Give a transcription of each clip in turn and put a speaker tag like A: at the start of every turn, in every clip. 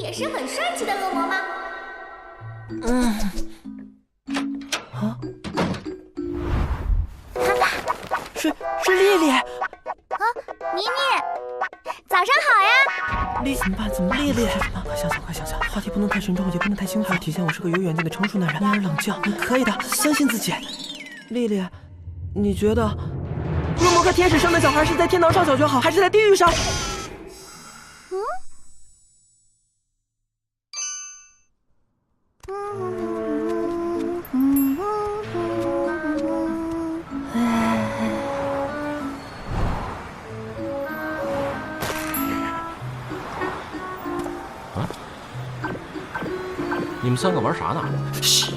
A: 也是很帅气的恶魔吗？
B: 是丽丽。
A: 妮妮，早上好呀！
B: 丽怎么办？怎么丽丽？快想想，话题不能太沉重，也不能太轻浮，体现我是个有远见的成熟男人。你而冷静，你可以的，相信自己。丽丽，你觉得恶魔和天使生的小孩是在天堂上小学好，还是在地狱上？
C: 你们三个玩啥呢？
B: 嘘，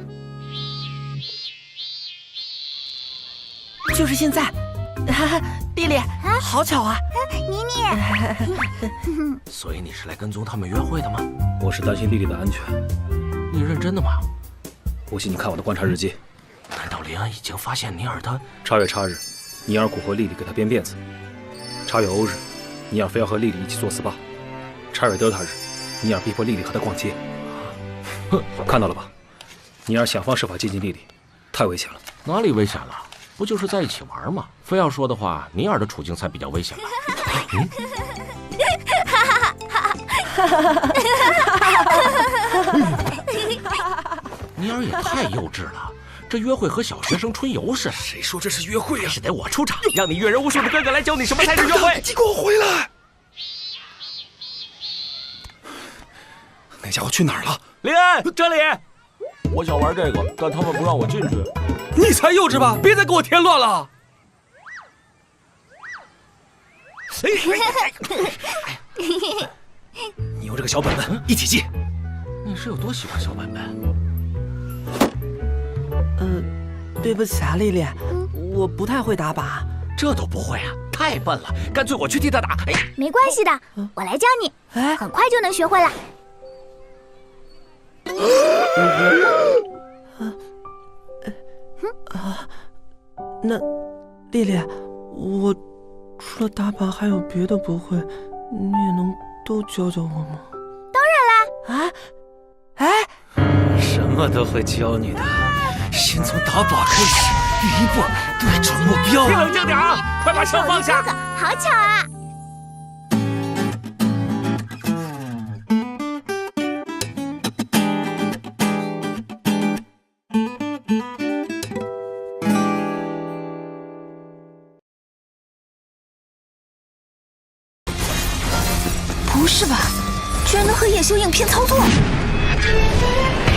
B: 就是现在。丽丽，好巧啊！
A: 妮妮，
C: 所以你是来跟踪他们约会的吗？
D: 我是担心丽丽的安全。
C: 你认真的吗？
D: 不信你看我的观察日记。
C: 难道林恩已经发现尼尔的
D: 8月8日，尼尔蛊惑丽丽给他编辫子。8月欧日，尼尔非要和丽丽一起做 SPA。8月德塔日，尼尔逼迫丽丽和他逛街。看到了吧？尼尔想方设法接近丽丽，太危险了。
C: 哪里危险了？不就是在一起玩吗？非要说的话，尼尔的处境才比较危险吧？尼尔也太幼稚了，这约会和小学生春游似的。
D: 谁说这是约会啊？
C: 是得我出场，让你阅人无数的哥哥来教你什么才是约会。
D: 你给我回来！那家伙去哪儿了？
C: 林恩，这里。我想玩这个，但他们不让我进去。
D: 你才幼稚吧！别再给我添乱了！你有这个小本本，一起记。
C: 你是有多喜欢小本本？
B: 对不起啊，丽丽，我不太会打靶。
C: 这都不会啊，太笨了。干脆我去替他打。
A: 没关系的，我来教你，很快就能学会了。
B: 那丽丽，我除了打靶还有别的不会，你也能都教教我吗？
A: 当然啦！
D: 什么都会教你的，先从打靶开始，一步对准目标。
C: 你冷静点啊！快把枪放下！
A: 好巧啊！
E: 不是吧？居然能和叶修影片操作！